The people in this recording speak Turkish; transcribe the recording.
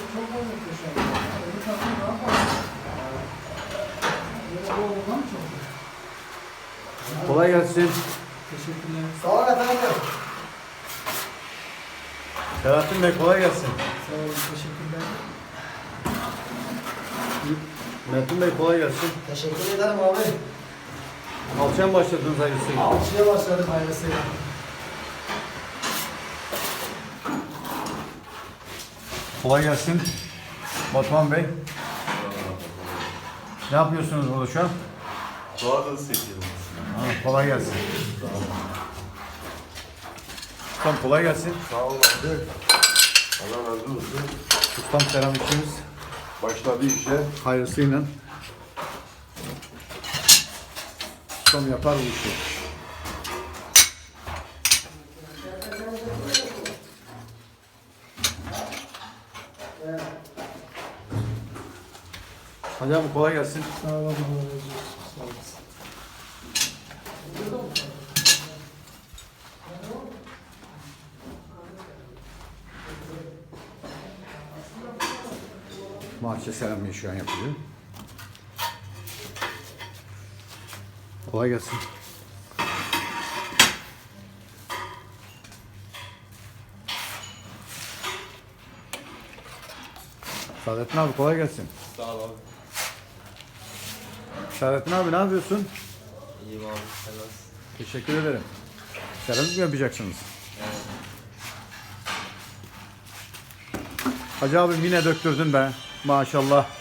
çok muhteşem. Öbür takım daha fazla. Böyle bu oğlan çok. Kolay gelsin. Teşekkürler. Sağ ol efendim. Selahattin Bey kolay gelsin. Sağ olun, teşekkürler. Metin Bey kolay gelsin. Teşekkür ederim abi. Alçaya mı başladınız hayırlısıyla? Alçıya başladım hayırlısıyla. Kolay gelsin. Batuhan Bey. Ne yapıyorsunuz burada şu an? Doğada sekiyoruz. Kolay gelsin. Ustam kolay gelsin. Sağ ol abi. Allah razı olsun. Ustam seramikçimiz. Başladı işe. Hayırlısıyla. Ustam yapar bu işi. Hadi abi kolay gelsin. Sağ olun, Allah razı olsun. Sağ olasın. Bahçe seramiği şu an yapılıyor. Kolay gelsin. Saadettin abi kolay gelsin. Sağ ol abi. Saadettin abi ne yapıyorsun? İyiyim abi. Sen nasılsın? Teşekkür ederim. Seramik mi yapacaksınız? Evet. Hacı abim yine döktürdün be. Maşallah.